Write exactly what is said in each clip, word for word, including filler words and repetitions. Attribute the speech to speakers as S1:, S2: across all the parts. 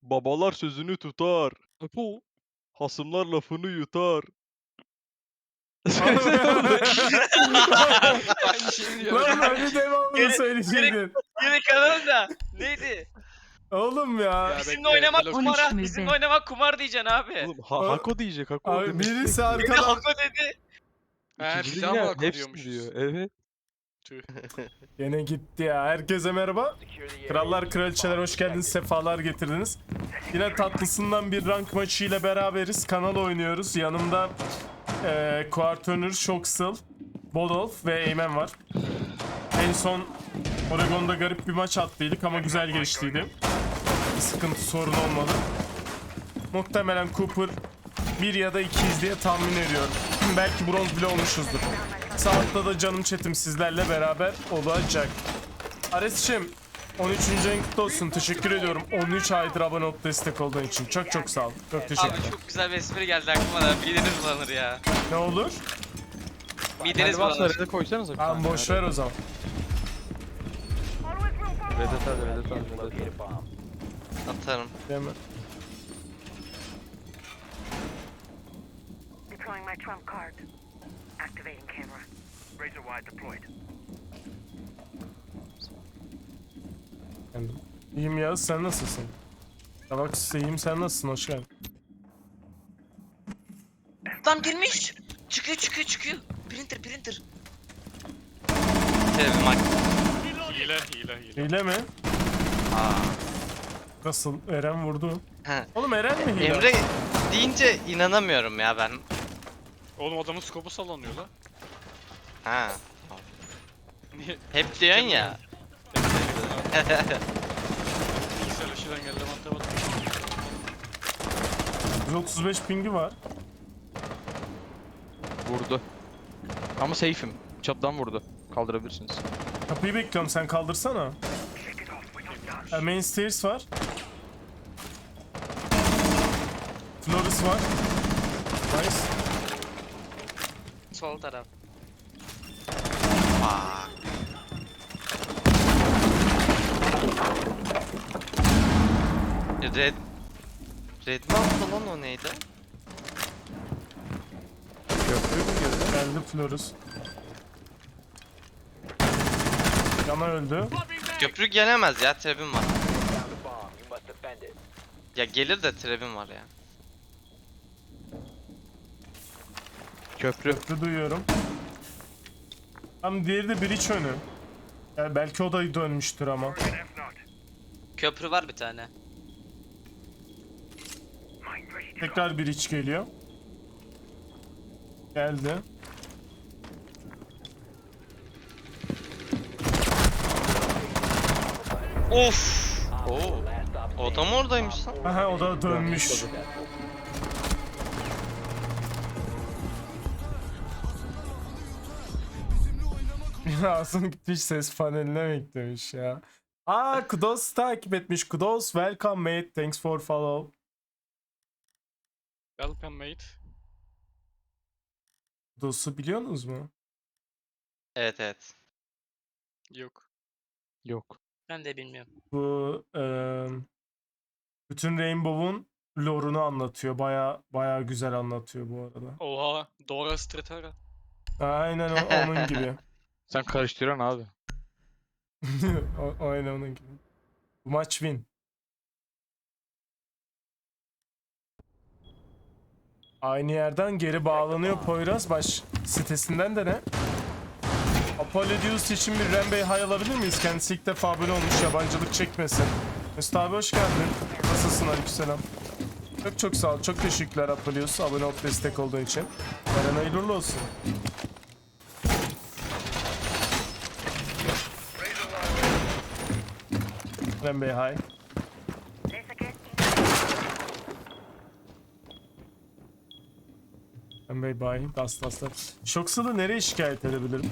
S1: Babalar sözünü tutar. Apo. Hasımlar lafını yutar. Söylesene oğlum.
S2: Aynı şeyi diyorum.
S3: Lan öyle devamını
S4: Geri-
S3: söyleyecektin.
S4: Yine kanalım da. Neydi?
S3: Oğlum ya.
S2: Ya
S4: Bizimle
S2: bekle,
S4: oynamak
S2: Velox-
S4: kumara.
S5: on üç
S4: Bizimle
S5: müde.
S4: oynamak kumar diyeceksin abi.
S1: Oğlum ha,
S3: Aa,
S1: Hako diyecek Hako.
S3: Abi
S1: demek
S3: birisi
S1: ki.
S4: Bir de
S3: arkadan.
S4: Hako dedi.
S2: He,
S1: İkinci
S2: bir
S1: de
S2: daha
S1: yine
S2: mı Hako
S1: hepsi
S2: diyormuşuz?
S1: diyor. Evet.
S3: Gene gitti ya. Herkese merhaba. Krallar kraliçeler hoş geldiniz. Sefalar getirdiniz. Yine tatlısından bir rank maçı ile beraberiz. Kanal oynuyoruz. Yanımda eee Quartönür, Shoxel, Bodolf ve Eymen var. En son Oregon'da garip bir maç attıydık ama güzel geçtiydi. Bir sıkıntı sorun olmadı. Muhtemelen Cooper bir ya da ikiyiz diye tahmin ediyorum. Belki bronz bile olmuşuzdur. Saatte da canım chatim sizlerle beraber olacak. Ares'cim on üçüncü ayın kutlu olsun. Teşekkür ediyorum. on üç aydır abone olup destek olduğun için. Çok çok sağ ol. Çok teşekkür
S4: Abi
S3: ederim.
S4: çok güzel bir espri geldi aklıma da. Mideniz bulanır ya.
S3: Ne olur?
S4: Mideniz
S1: Kendi varsa
S4: bulanır.
S1: Red'e koysanıza bir
S3: Tamam
S1: tane.
S3: boş ver o zaman.
S1: Red'e hadi Red'e hadi Red'e hadi.
S4: Atarım.
S3: Değil mi?
S6: Deploying my trump card. Activating camera. Razor wide deployed.
S3: Yani, İyiyim Yağız, sen nasılsın? Tabak iyiyim, sen nasılsın? Hoş geldin.
S4: Lan girmiş. Çıkıyor çıkıyor çıkıyor. Printer printer. Telefon bak.
S2: Hile, hile, hile.
S3: Hile mi?
S4: Aa.
S3: Nasıl? Eren vurdu.
S4: He.
S3: Oğlum Eren mi hile?
S4: Emre deyince inanamıyorum ya ben.
S2: Oğlum adamın skopu sallanıyor la.
S4: Ha.
S2: Niye?
S4: Hep diyorsun ya.
S2: Bilgisayar aşıdan geldi mantığına bak.
S3: yüz otuz beş pingi var.
S1: Vurdu. Ama safe'im. Çattan vurdu. Kaldırabilirsiniz.
S3: Kapıyı bekliyorum, sen kaldırsana. E, main stairs var. Flores var. Nice.
S4: Sol taraf. Red. Red mi attı lan o neydi?
S1: Köprü mü girdi?
S3: Geldi Flores. Yana öldü.
S4: Köprü gelemez ya, trebim var. Ya gelir de trebim var ya.
S1: Köprü.
S3: Köprü duyuyorum. Tam diğeri de bridge önü. Yani belki o da dönmüştür ama.
S4: Köprü var bir tane.
S3: Tekrar bridge geliyor. Geldi.
S4: Of. Oo. O da mı oradaymış lan?
S3: Aha o da dönmüş. Ağzım gitmiş, ses paneline beklemiş ya. Aa Kudos takip etmiş. Kudos welcome mate. Thanks for follow.
S2: Welcome mate.
S3: Kudos'u biliyorsunuz mu?
S4: Evet evet.
S2: Yok.
S1: Yok.
S4: Ben de bilmiyorum.
S3: Bu eee bütün Rainbow'un lore'unu anlatıyor. Baya baya güzel anlatıyor bu arada.
S2: Oha. Dora Stratera.
S3: Aynen o- onun gibi.
S1: Sen karıştıran abi.
S3: O- Aynen onun gibi. Bu maç win. Aynı yerden geri bağlanıyor Poyraz. Baş sitesinden de ne? Apollo için bir Rembey hay alabilir miyiz? Kendisi ilk defa abone olmuş, yabancılık çekmesin. Mesut abi hoş geldin. Nasılsın? Aleykümselam. Çok çok sağ ol. Çok teşekkürler Apollos. Abone olup destek olduğun için. Eren hayırlı olsun. Rembey hay.
S6: This again.
S3: Rembey bay. Das das das. Shox'u nereye şikayet edebilirim?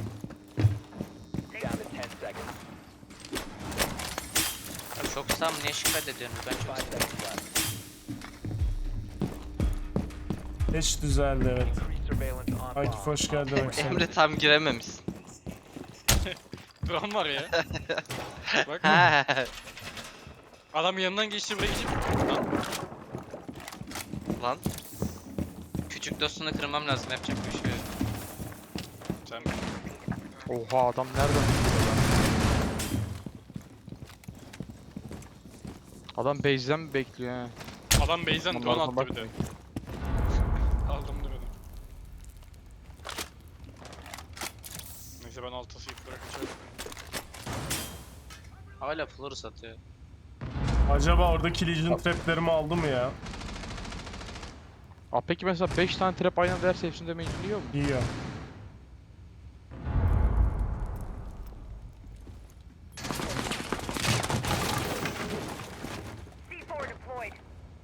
S4: Ya çok sam niye şikayet ediyorsun? Ben çok seviyorum.
S3: Geç düzeldi evet. Akif hoş geldin. Akif.
S4: Emre tam girememişsin.
S2: Dram var ya. Bak.
S4: Ha.
S2: Adam yanından geçti buraya geçip. Lan.
S4: Lan. Küçük dostunu kırmam lazım. Yapacak bir şey yok.
S2: Sen
S5: Oha adam nereden vuruyor lan? Adam base'den mi bekliyor ha?
S2: adam base'den
S5: Aman
S2: drone
S5: Allah'ım,
S2: attı bir de.
S5: bakmayın.
S2: Aldım da beni. Neyse ben altı sıfır bırakacağım.
S4: Hala Florus atıyor.
S3: Acaba oradaki Legion traplerimi aldı mı ya?
S5: Aa peki mesela beş tane trap aynı anda derse hepsini damage yiyor mu?
S3: İyi ya.
S6: C four deployed.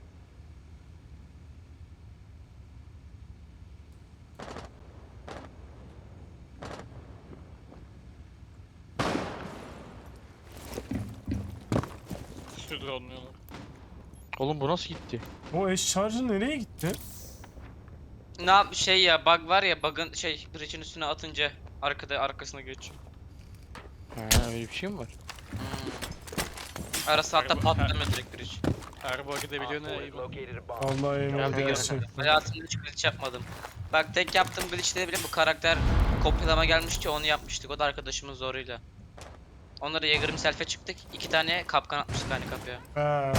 S2: Şu drone'luyorlar.
S5: Oğlum bu nasıl gitti?
S3: O eş charger nereye gitti?
S4: Ne yap şey ya bug var ya bug'ın şey bridge'in üstüne atınca arkada arkasına geçiyor.
S5: Ha öyle bir şey mi var?
S4: Hmm. Arası hatta
S2: Merhaba.
S4: patlamıyor direkt bridge.
S2: Her bug edebiliyor ne iyi.
S3: Vallahi emin
S5: Ben bir
S3: gerçekten.
S4: Hayatımda hiç glitch yapmadım. Bak tek yaptığım glitch'te bile bu karakter kopyalama gelmişti onu yapmıştık. O da arkadaşımın zoruyla. Onları Jäger'im self'e çıktık. İki tane kapkan atmıştık aynı kapıya.
S3: Ha.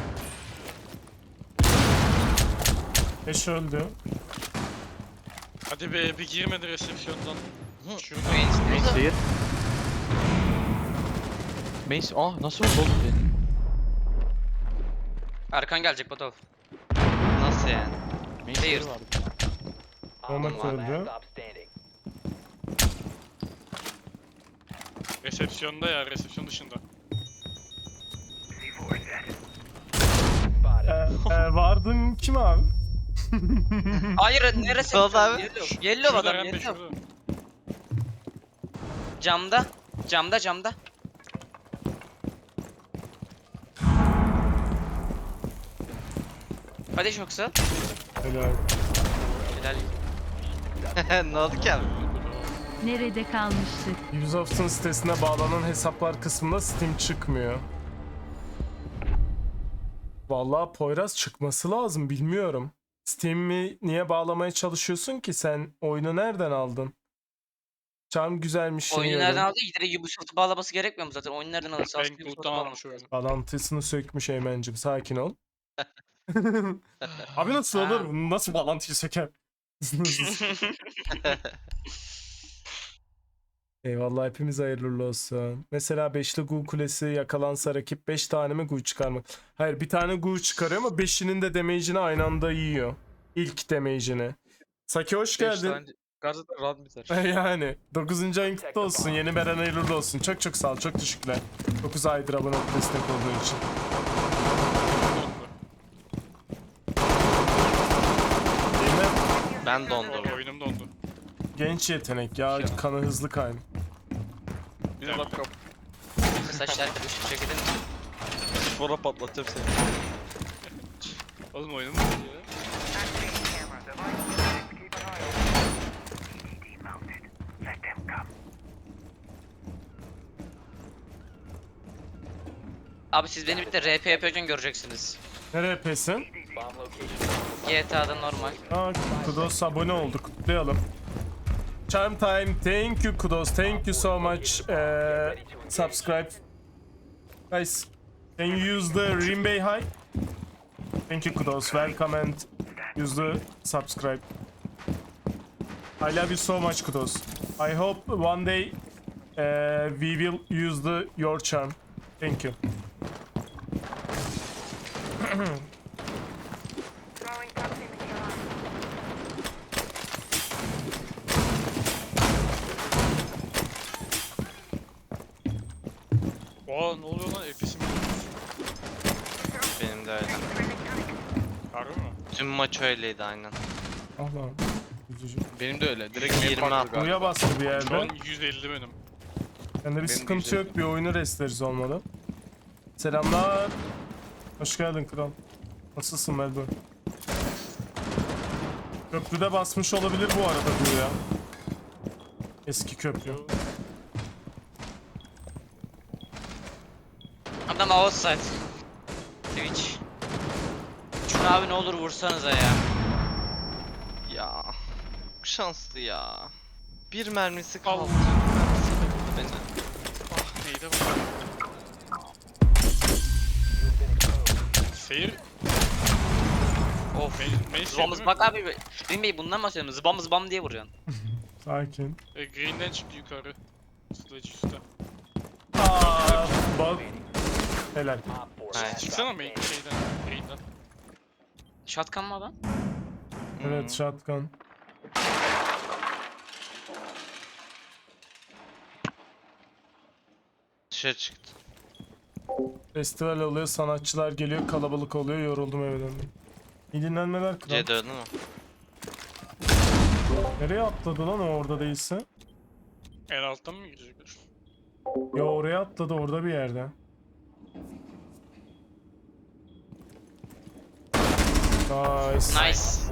S3: Eş öldü.
S2: Hadi be bir girmedi resepsiyondan. Şuradan.
S4: Main
S5: Main zehir. Main ah nasıl oldu oğlum be?
S4: Arkan gelecek Botol.
S7: Nasıl yani?
S5: Main
S4: Zehir.
S5: zehir vardı.
S3: Onat öldü.
S2: Resepsiyonda ya resepsiyon dışında.
S3: Ee, e, vardın kim abi?
S4: Hayır neresi?
S7: Solda abi.
S4: Yellow, yellow
S2: Şurada
S4: adam
S2: hem de
S4: yellow.
S2: şurada.
S4: Camda. Camda camda. Hadi yoksa.
S3: Helal.
S4: Helal.
S7: Ne oldu ki abi?
S8: Nerede kalmıştık?
S3: Ubisoft'un sitesine bağlanan hesaplar kısmında Steam çıkmıyor. Vallahi Poyraz çıkması lazım bilmiyorum. Steam'i niye bağlamaya çalışıyorsun ki sen? Oyunu nereden aldın? Çam güzelmiş.
S4: Oyunu nereden aldı? Direkt Ubisoft'u bağlaması gerekmiyor mu zaten? Oyunu nereden alırsa aslında Ubisoft'u
S2: Bankroot'tan
S4: bağlaması
S2: almış oyunu.
S4: lazım.
S3: Bağlantısını sökmüş Eymen'cim, sakin ol. Abi nasıl
S4: Ha.
S3: olur? Nasıl bağlantıyı söker? Eyvallah, hepimiz hayırlı uğurlu olsun. Mesela beşli Gu kulesi yakalansa rakip beş tane mi Gu çıkarmak? Hayır, bir tane Gu çıkarıyor ama beşinin de damage'ini aynı anda yiyor. İlk damage'ini. Saki hoş
S5: beş
S3: geldin.
S5: tane Gazetede run biter.
S3: Yani dokuzuncu ayın kutlu olsun. Yeni Beren hayırlı uğurlu olsun. Çok çok sağ ol. Çok teşekkürler. dokuz aydır abone olup destek olduğun için. Değil mi?
S7: Ben dondum.
S2: Oyunum dondu.
S3: Genç yetenek ya. Kanı hızlı kayn.
S2: Bir de laptop.
S4: Saçlar karışık şekilde mi?
S1: Sonra patlatacağım seni.
S2: Oğlum oyunum dondu ya.
S6: Activating camera. Device keep an eye open. P D D mounted. Let them come.
S4: Abi siz beni bir de R P yapıyorken göreceksiniz.
S3: Nereye pesin?
S4: G T A'da normal.
S3: Aa, Kudos abone olduk. Kutlayalım. Charm time. Thank you Kudos. Thank you so much. Uh, subscribe. Guys, can you use the Rinbei High? Thank you Kudos. Welcome and use the subscribe. I love you so much Kudos. I hope one day uh, we will use the your charm. Thank you.
S6: Throwing proximity alarm.
S2: Oha ne oluyor lan F P S'im
S7: Benim de öyle.
S2: Harbi mi?
S7: Tüm maç öyleydi aynen.
S3: Allah. Üzücü.
S5: Benim de öyle. Direkt
S7: yirmi
S5: main
S7: at.
S5: farklı
S3: Uya
S5: galiba.
S3: bastı bir
S2: Şu
S3: yerde.
S2: an yüz elli benim.
S3: Bende bir
S5: de
S3: sıkıntı
S5: güzel.
S3: yok. Bir oyunu restleriz olmalı. Selamlar. Hoş geldin kral. Nasılsın Melbourne? Köprüde basmış olabilir bu arada bu ya. Eski köprü.
S4: Adam outside. Twitch. Şunu abi ne olur vursanıza ya.
S7: Ya. Çok şanslı ya. Bir mermisi
S2: Al.
S7: kaldı. Bir mermisi kaldı beni.
S2: Ah neydi bu? Seyir.
S4: Of.
S2: Main, main
S4: Zıbam
S2: şey
S4: zıbak abi. Green Bey bundan bahsediyorum. Zıbam zıbam diye vuruyorsun.
S3: Sakin.
S2: E, green'den çıktı yukarı. Sledge üstte.
S3: Aa, bak. Helal.
S7: Hayır.
S2: Çıksana main şeyden. Green'den.
S4: Shotgun mı adam?
S3: Evet, shotgun.
S7: Dışarı çıktı.
S3: Festival oluyor, sanatçılar geliyor, kalabalık oluyor, yoruldum eve döndüm. İyi dinlenmeler kral.
S7: C dördü mü?
S3: Nereye atladı lan o orada değilse?
S2: En alttan mı girecekler?
S3: Ya oraya atladı orada bir yerde. Nice.
S4: Nice.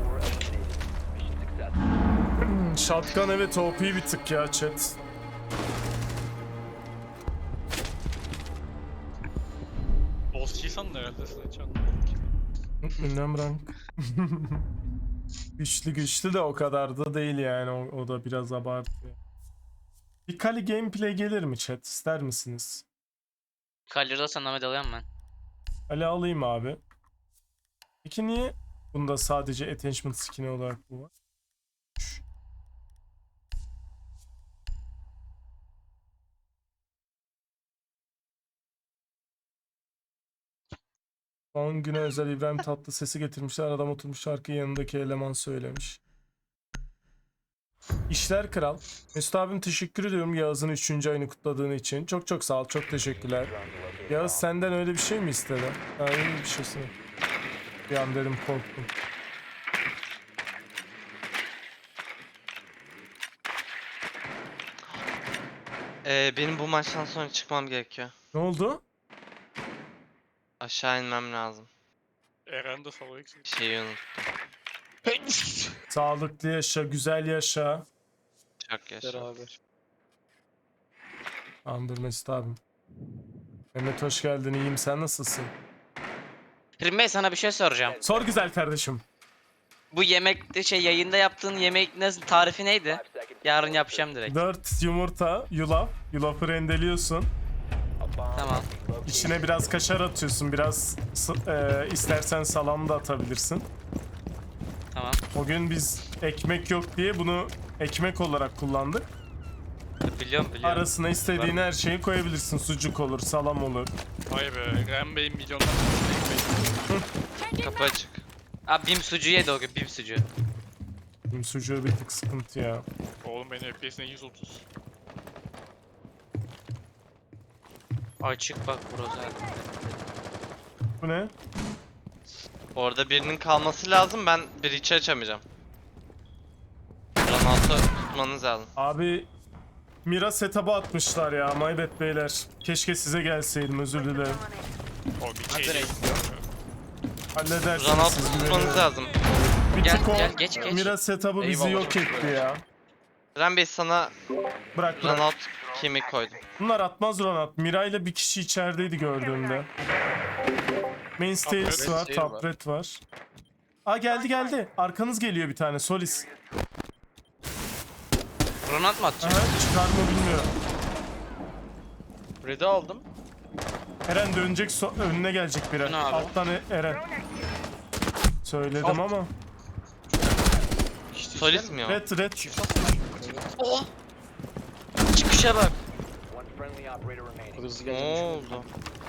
S3: Shotgun evet O P bir tık ya chat.
S2: Boss keysan da herhalde Sledge anlamadım ki.
S3: Ünlem rank. Güçlü güçlü de o kadar da değil yani o, o da biraz abartıyor. Bir Kali gameplay gelir mi chat, ister misiniz?
S4: Kalırda sana Ahmet alıyorum ben.
S3: Ali alayım abi. Peki niye bunda sadece attachment skin'i olarak bu var? Son güne özel İbrahim Tatlıses'i getirmişler. Adam oturmuş şarkıyı yanındaki eleman söylemiş. İşler kral. Mesut abim teşekkür ediyorum Yağız'ın üçüncü ayını kutladığın için. Çok çok sağ ol. Çok teşekkürler. Yağız senden öyle bir şey mi istedi? Ha, öyle bir şeysin. Bir an dedim korktum.
S7: Ee, benim bu maçtan sonra çıkmam gerekiyor.
S3: Ne oldu?
S7: Aşağı inmem lazım.
S2: Eren de solo eksik.
S7: Şeyi unuttum.
S3: Sağlıklı yaşa, güzel yaşa.
S7: Çok yaşa.
S5: Beraber.
S3: Andır Mesut abim. Mehmet hoş geldin. İyiyim. Sen nasılsın?
S4: Green Bey sana bir şey soracağım.
S3: Sor güzel kardeşim.
S4: Bu yemekte şey yayında yaptığın yemek nasıl tarifi neydi? Yarın yapacağım direkt.
S3: dört yumurta, yulaf. Yulafı rendeliyorsun.
S4: Tamam.
S3: İçine biraz kaşar atıyorsun. Biraz s- e, istersen salam da atabilirsin.
S4: Tamam.
S3: O gün biz ekmek yok diye bunu ekmek olarak kullandık.
S4: Biliyorum biliyorum.
S3: Arasına istediğin her şeyi koyabilirsin. Sucuk olur, salam olur.
S2: Vay be. Eren Bey milyonlar Bey.
S7: Kapı açık.
S4: Abi bim sucuğu yedi o gün bim sucuğu.
S3: Benim sucuğu bir tık sıkıntı ya.
S2: Oğlum benim F P S'ine yüz otuz.
S4: Açık bak burası.
S3: Bu ne?
S7: Orada birinin kalması lazım. Ben bir içi açamayacağım. Ronaldo tutmanız lazım.
S3: Abi Mira setup'ı atmışlar ya. Maybet beyler. Keşke size gelseydim, özür dilerim.
S2: O bir şey değil.
S3: Halledersiniz
S7: Ronaldo
S3: siz
S7: tutmanız
S3: güveniyorum.
S7: lazım.
S3: Bir
S4: Gel,
S3: tık o
S4: gel, geç, geç.
S3: Mira setup'ı bizi
S5: Eyvallah,
S3: yok
S5: çok
S3: etti ya.
S7: Eren Bey sana
S3: Bırak bırak.
S7: Ronaldo kemik koydum.
S3: Bunlar atmaz Ronald. Mira ile bir kişi içerideydi gördüğümde. Main stairs
S2: Top
S3: var,
S5: red
S3: top
S5: var.
S3: red var. Aa geldi geldi. Arkanız geliyor bir tane. Solis.
S4: Ronald mı atacak?
S3: Aha, çıkar mı bilmiyorum.
S5: Red'i aldım.
S3: Eren dönecek, so- önüne gelecek biri.
S4: Ne abi?
S3: Alttan E- Eren. Söyledim ama.
S7: Solis mi o?
S3: Red red.
S4: Oh! Çıkışa bak.
S5: Hızlı
S7: Ne
S5: gelmiş.
S7: oldu?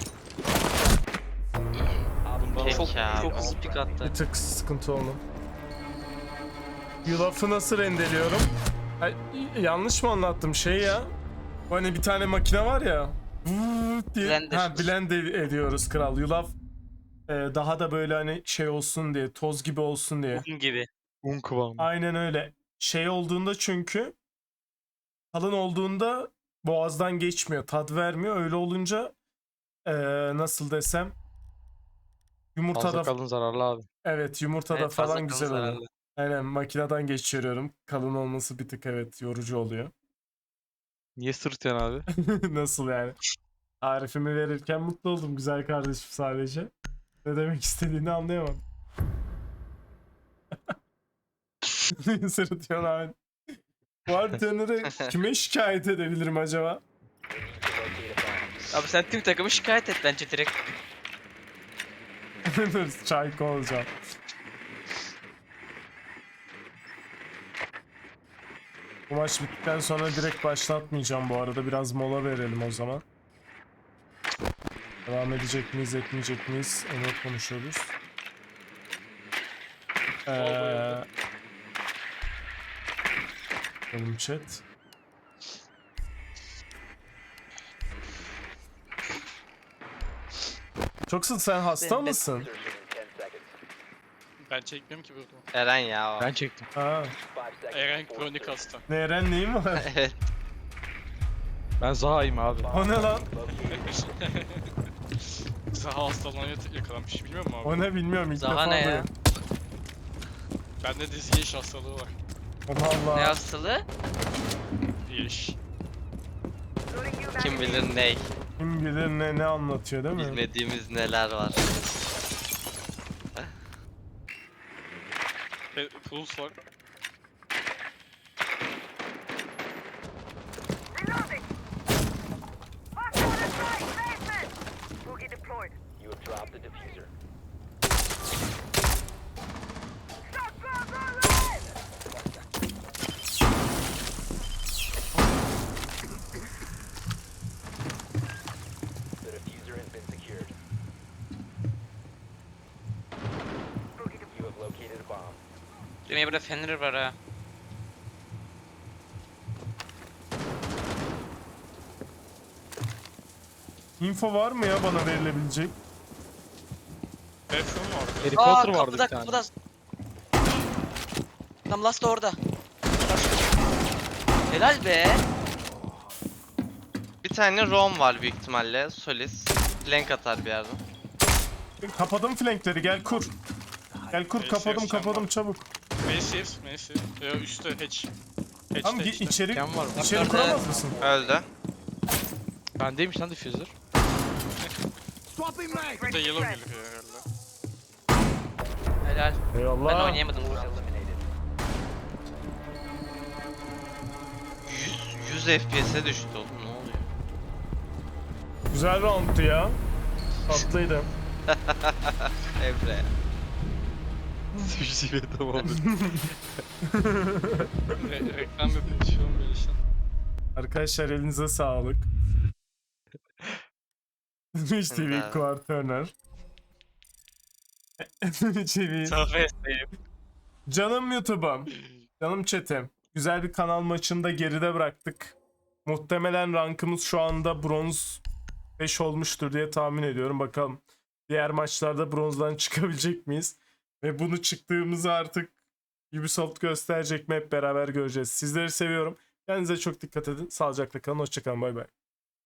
S4: Çok
S7: Peki abi.
S4: çok hızlı pik attı.
S3: Bir tık sıkıntı oldu. Yulafı nasıl rendeliyorum? Ay, yanlış mı anlattım şey ya? Hani bir tane makine var ya. Vuuu diye.
S4: Blender.
S3: Ha, blend ed- ediyoruz kral. Yulaf e, daha da böyle hani şey olsun diye, toz gibi olsun diye.
S4: Un gibi.
S5: Un kıvamı.
S3: Aynen öyle. Şey olduğunda çünkü kalın olduğunda boğazdan geçmiyor, tat vermiyor. Öyle olunca e, nasıl desem yumurtada
S5: Fazla kalın zararlı abi.
S3: evet yumurtada
S4: Evet, fazla
S3: falan
S4: kalın
S3: güzel oluyor.
S4: zararlı.
S3: Aynen makineden geçiriyorum. Kalın olması bir tık evet yorucu oluyor.
S5: Niye sırtıyorsun abi?
S3: Nasıl yani? Tarifimi verirken mutlu oldum güzel kardeşim sadece. Ne demek istediğini anlayamadım. Sırıtıyorsun abi. Bartender'ı kime şikayet edebilirim acaba?
S4: Abi sen tüm takımı şikayet et bence direkt.
S3: Dur çayko olacağım. Bu maç bittikten sonra direkt başlatmayacağım bu arada. Biraz mola verelim o zaman. Devam edecek miyiz, etmeyecek miyiz? Onu konuşuyoruz. Eee... Bakalım chat. Çoksun, sen hasta
S4: Ben- ben-
S3: mısın?
S2: Ben çekmiyorum ki burada.
S7: Eren ya o.
S5: Ben çektim.
S3: Ha.
S2: Eren kronik hasta.
S3: Ne Eren neyin var?
S7: Evet.
S5: Ben Zaha'yım abi.
S3: O ne lan?
S2: Zaha hastalığına yak- yakalanmış bilmiyor musun abi?
S3: O ne bilmiyorum ilk
S4: Zaha
S3: defa
S4: ne ya?
S3: duyuyorum.
S2: Bende de Yeş hastalığı var.
S3: Allah Allah.
S4: Ne hastalığı?
S2: Yeş.
S7: Kim bilir ney.
S3: Kim bilir ne ne anlatıyor değil mi?
S7: Bilmediğimiz neler var.
S2: E, Puls var.
S6: Reloading! Hostile on site! Basement! Boogie deployed. You have dropped the diffuser. Shotgun rolling! The diffuser has been secured. Boogie deployed. You have located a bomb.
S4: Düğmeye burada Fenrir var ha.
S3: Info var mı ya bana verilebilecek?
S2: Bathroom vardı.
S5: Harry
S4: Aa
S5: Potter vardı
S4: kapıda
S5: bir tane.
S4: kapıda. Tam last da orada. Helal be.
S7: Bir tane Rom var büyük ihtimalle. Solis. Flank atar bir yerden.
S3: Kapadım flankleri, gel kur. Gel kur,
S2: Neyse,
S3: kapadım
S2: sen
S3: kapadım
S2: bak.
S3: çabuk.
S2: Massive, Massive. Ya üstte hatch. Hatch
S3: Tamam
S2: de
S3: git
S2: işte.
S3: içeri,
S5: Ken var mı?
S3: içeri
S4: Bak,
S3: kuramaz mısın?
S7: Öldü.
S5: Bendeymiş lan diffuser.
S2: Burada yellow geliyor herhalde.
S4: Helal. Ben
S3: Eyvallah.
S4: oynayamadım bunu.
S7: yüz, yüz F P S'e düştü oğlum, ne oluyor?
S3: Güzel roundtu ya. Tatlıydı.
S7: Emre.
S1: Sushi ve tamamdır.
S2: Re reklam yapıyor şu an böyle işte.
S3: Arkadaşlar elinize sağlık. Twitch T V
S7: Evet.
S3: Quarterner. Twitch T V.
S2: Safesteyim.
S3: Canım YouTube'um. Canım chat'im. Güzel bir kanal maçında geride bıraktık. Muhtemelen rankımız şu anda bronz beş olmuştur diye tahmin ediyorum. Bakalım diğer maçlarda bronzdan çıkabilecek miyiz? Ve bunu çıktığımızı artık Ubisoft gösterecek mi, hep beraber göreceğiz. Sizleri seviyorum. Kendinize çok dikkat edin. Sağlıcakla kalın. Hoşçakalın. Bay bay.